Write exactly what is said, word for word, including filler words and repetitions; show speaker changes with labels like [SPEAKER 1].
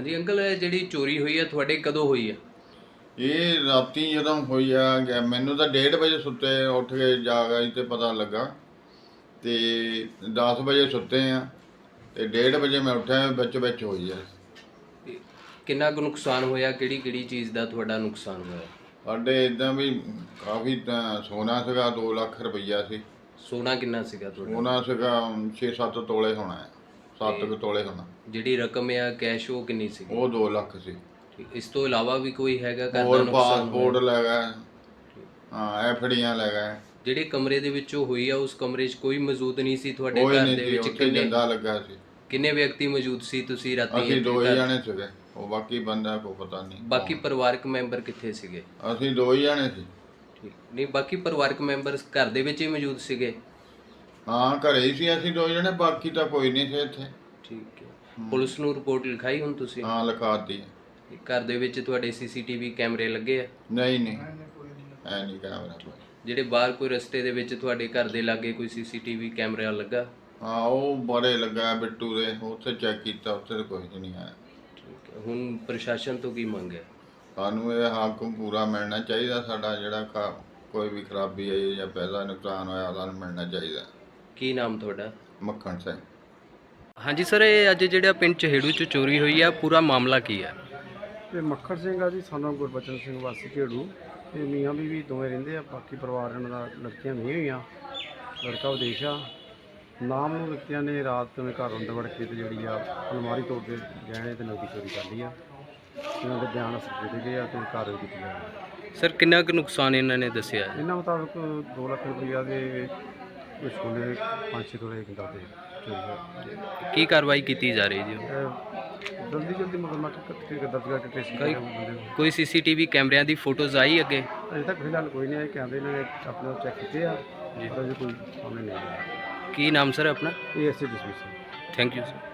[SPEAKER 1] ਹਾਂਜੀ ਅੰਕਲ, ਇਹ ਜਿਹੜੀ ਚੋਰੀ ਹੋਈ ਹੈ ਤੁਹਾਡੇ ਕਦੋਂ ਹੋਈ ਹੈ?
[SPEAKER 2] ਇਹ ਰਾਤੀ ਜਦੋਂ ਹੋਈ ਆ ਗਿਆ ਮੈਨੂੰ ਤਾਂ ਡੇਢ ਵਜੇ ਸੁੱਤੇ ਉੱਠ ਕੇ ਜਾਗ ਆਈ ਤੇ ਪਤਾ ਲੱਗਾ ਤੇ ਦਸ ਵਜੇ ਸੁੱਤੇ ਆ ਤੇ ਡੇਢ ਵਜੇ ਮੈਂ ਉੱਠਿਆ ਵਿੱਚ ਵਿੱਚ ਹੋਈ ਆ।
[SPEAKER 1] ਤੇ ਕਿੰਨਾ ਕੁ ਨੁਕਸਾਨ ਹੋਇਆ? ਕਿਹੜੀ ਕਿਹੜੀ ਚੀਜ਼ ਦਾ ਤੁਹਾਡਾ ਨੁਕਸਾਨ ਹੋਇਆ?
[SPEAKER 2] ਸਾਡੇ ਇਦਾਂ ਵੀ ਕਾਫੀ ਤਾਂ ਸੋਨਾ ਸੀਗਾ, ਦੋ ਲੱਖ ਰੁਪਈਆ ਸੀ।
[SPEAKER 1] ਸੋਨਾ ਕਿੰਨਾ ਸੀਗਾ ਤੁਹਾਡਾ?
[SPEAKER 2] ਸੋਨਾ ਸੀਗਾ ਛੇ ਸੱਤ ਤੋਲੇ ਹੋਣਾ ਹੈ, ਸੱਤ ਕੁ ਤੋਲੇ ਹੋਣਾ।
[SPEAKER 1] ਜਿਹੜੀ ਰਕਮ ਆ ਕੈਸ਼ ਉਹ ਕਿੰਨੀ ਸੀਗੀ?
[SPEAKER 2] ਉਹ ਦੋ ਲੱਖ ਸੀ।
[SPEAKER 1] ਠੀਕ, ਇਸ ਤੋਂ ਇਲਾਵਾ ਵੀ ਕੋਈ ਹੈਗਾ ਘਰ ਦਾ
[SPEAKER 2] ਹੋਰ
[SPEAKER 1] ਨੁਕਸਾਨ
[SPEAKER 2] ਪਾਸਪੋਰਟ
[SPEAKER 1] ਹੋਇਆ?
[SPEAKER 2] ਲੈ ਗਏ, ਹਾਂ ਐਫਡੀਆਂ ਲੈ ਗਏ।
[SPEAKER 1] ਜਿਹੜੇ ਕਮਰੇ ਦੇ ਵਿੱਚੋਂ ਹੋਈ ਆ ਉਸ ਕਮਰੇ 'ਚ ਕੋਈ ਮੌਜੂਦ ਨਹੀਂ ਸੀ ਤੁਹਾਡੇ
[SPEAKER 2] ਕੋਈ
[SPEAKER 1] ਘਰ
[SPEAKER 2] ਨਹੀਂ
[SPEAKER 1] ਦੇ
[SPEAKER 2] ਸੀ,
[SPEAKER 1] ਵਿੱਚ?
[SPEAKER 2] ਉੱਥੇ
[SPEAKER 1] ਕਿੰਨੇ
[SPEAKER 2] ਜਿੰਦਾ ਲੱਗਾ ਸੀ।
[SPEAKER 1] ਕਿੰਨੇ ਵਿਅਕਤੀ ਮੌਜੂਦ ਸੀ ਤੁਸੀਂ ਰਾਤੀ
[SPEAKER 2] ਅਸੀਂ
[SPEAKER 1] ਇੱਥੇ
[SPEAKER 2] ਦੋ ਹੀ
[SPEAKER 1] ਘਰ?
[SPEAKER 2] ਜਾਣੇ ਸੀਗੇ, ਉਹ ਬਾਕੀ ਬੰਦਾ ਕੋਈ ਪਤਾ ਨਹੀਂ।
[SPEAKER 1] ਬਾਕੀ ਪਰਿਵਾਰਕ ਮੈਂਬਰ ਕਿੱਥੇ ਸੀਗੇ?
[SPEAKER 2] ਅਸੀਂ ਦੋ ਹੀ ਜਾਣੇ ਸੀ।
[SPEAKER 1] ਠੀਕ, ਨਹੀਂ ਬਾਕੀ ਪਰਿਵਾਰਕ ਮੈਂਬਰ ਘਰ ਦੇ ਵਿੱਚ ਹੀ ਮੌਜੂਦ ਸੀਗੇ?
[SPEAKER 2] ਹਾਂ ਘਰੇ ਹੀ ਸੀ ਅਸੀਂ ਦੋ ਜਣੇ, ਬਾਕੀ ਤਾਂ ਕੋਈ ਨਹੀਂ ਸੀ ਇੱਥੇ।
[SPEAKER 1] ਠੀਕ ਹੈ, ਪੁਲਿਸ ਨੂੰ ਰਿਪੋਰਟ ਲਿਖਾਈ ਹੁਣ ਤੁਸੀਂ?
[SPEAKER 2] ਹਾਂ ਲਿਖਾਤੀ।
[SPEAKER 1] ਘਰ ਦੇ ਵਿੱਚ ਤੁਹਾਡੇ ਸੀਸੀਟੀਵੀ ਕੈਮਰੇ ਲੱਗੇ ਆ?
[SPEAKER 2] ਨਹੀਂ ਨਹੀਂ ਐ ਨਹੀਂ ਕੈਮਰਾ ਕੋਈ।
[SPEAKER 1] ਜਿਹੜੇ ਬਾਹਰ ਕੋਈ ਰਸਤੇ ਦੇ ਵਿੱਚ ਤੁਹਾਡੇ ਘਰ ਦੇ ਲਾਗੇ ਕੋਈ ਸੀਸੀਟੀਵੀ ਕੈਮਰਾ ਲੱਗਾ?
[SPEAKER 2] ਹਾਂ ਉਹ ਬੜੇ ਲੱਗਾ ਬਿੱਟੂ ਦੇ, ਉੱਥੇ ਚੈੱਕ ਕੀਤਾ, ਉੱਥੇ ਤਾਂ ਕੁਝ ਨਹੀਂ ਆਇਆ।
[SPEAKER 1] ਠੀਕ ਹੈ, ਹੁਣ ਪ੍ਰਸ਼ਾਸਨ ਤੋਂ ਕੀ ਮੰਗ ਹੈ?
[SPEAKER 2] ਸਾਨੂੰ ਇਹ ਹੱਕ ਪੂਰਾ ਮਿਲਣਾ ਚਾਹੀਦਾ ਸਾਡਾ, ਜਿਹੜਾ ਕ- ਕੋਈ ਵੀ ਖਰਾਬੀ ਆਈ ਜਾਂ ਪੈਸਾ ਨੁਕਸਾਨ ਹੋਇਆ ਸਾਨੂੰ ਮਿਲਣਾ ਚਾਹੀਦਾ।
[SPEAKER 1] ਕੀ ਨਾਮ ਤੁਹਾਡਾ?
[SPEAKER 2] ਮੱਖਣ ਸਿੰਘ।
[SPEAKER 1] ਹਾਂਜੀ ਸਰ, ਇਹ ਅੱਜ ਜਿਹੜਾ ਪਿੰਡ ਚਹੇੜੂ 'ਚ ਚੋਰੀ ਹੋਈ ਆ, ਪੂਰਾ ਮਾਮਲਾ ਕੀ ਹੈ?
[SPEAKER 3] ਇਹ ਮੱਖਣ ਸਿੰਘ ਆ ਜੀ, ਸਾਨੂੰ ਗੁਰਬਚਨ ਸਿੰਘ ਵਾਸੀ ਝੇੜੂ। ਇਹ ਮੀਆਂ ਬੀਵੀ ਦੋਵੇਂ ਰਹਿੰਦੇ ਆ, ਬਾਕੀ ਪਰਿਵਾਰ ਇਹਨਾਂ ਦਾ ਲੜਕੀਆਂ ਨਹੀਂ ਹੋਈਆਂ, ਲੜਕਾ ਵਿਦੇਸ਼ ਆ। ਨਾਮ ਨੂੰ ਵਿਅਕਤੀਆਂ ਨੇ ਰਾਤ ਨੂੰ ਘਰ ਅੰਦਰ ਵੜ ਕੇ ਤੇ ਜਿਹੜੀ ਆ ਅਲਮਾਰੀ ਤੋੜ ਕੇ ਗਹਿਣੇ ਤੇ ਨਕਦੀ ਚੋਰੀ ਕਰ ਲਈ ਆ। ਇਹਨਾਂ ਦੇ ਬਿਆਨ ਅਸਰ ਦੇ ਗਏ ਆ ਤੇ ਕਾਰਵਾਈ ਕੀਤੀ ਜਾ ਰਹੀ ਹੈ।
[SPEAKER 1] ਸਰ ਕਿੰਨਾ ਕੁ ਨੁਕਸਾਨ ਇਹਨਾਂ ਨੇ ਦੱਸਿਆ ਹੈ?
[SPEAKER 3] ਇਹਨਾਂ ਮੁਤਾਬਕ ਦੋ ਲੱਖ ਰੁਪਈਆ ਦੇ ਕੁਛ ਸੋਨੇ ਪੰਜ ਛੇ ਤੋਲੇ ਕਿੰਦਾ ਤੇ ਚੋਰੀ ਹੋਇਆ।
[SPEAKER 1] ਕੀ ਕਾਰਵਾਈ ਕੀਤੀ ਜਾ ਰਹੀ ਜੀ?
[SPEAKER 3] ਇਹ ਜਲਦੀ ਜਲਦੀ ਮੁਕੱਦਮਾ ਦਰਜ ਕਰਕੇ ਟ੍ਰੇਸ
[SPEAKER 1] ਕੋਈ-
[SPEAKER 3] ਕਰਿਆ ਬੰਦੇ ਨੂੰ।
[SPEAKER 1] ਕੋਈ ਸੀਸੀਟੀਵੀ ਕੈਮਰਿਆਂ ਦੀ ਫੋਟੋਜ਼ ਆਈ ਅੱਗੇ?
[SPEAKER 3] ਅਜੇ ਤੱਕ ਫਿਲਹਾਲ ਕੋਈ ਨਹੀਂ ਆਇਆ, ਕਹਿੰਦੇ ਇਹਨਾਂ ਨੇ ਆਪਣਾ ਚੈੱਕ ਕੀਤੇ ਆ, ਪਰ ਅਜੇ ਕੋਈ ਸਾਹਮਣੇ ਨਹੀਂ ਆਇਆ।
[SPEAKER 1] ਕੀ ਨਾਮ ਸਰ ਆਪਣਾ?
[SPEAKER 3] ਇਹ ਐਸੇ ਡਿਸਮਿਸ
[SPEAKER 1] ਥੈਂਕ ਯੂ ਸਰ।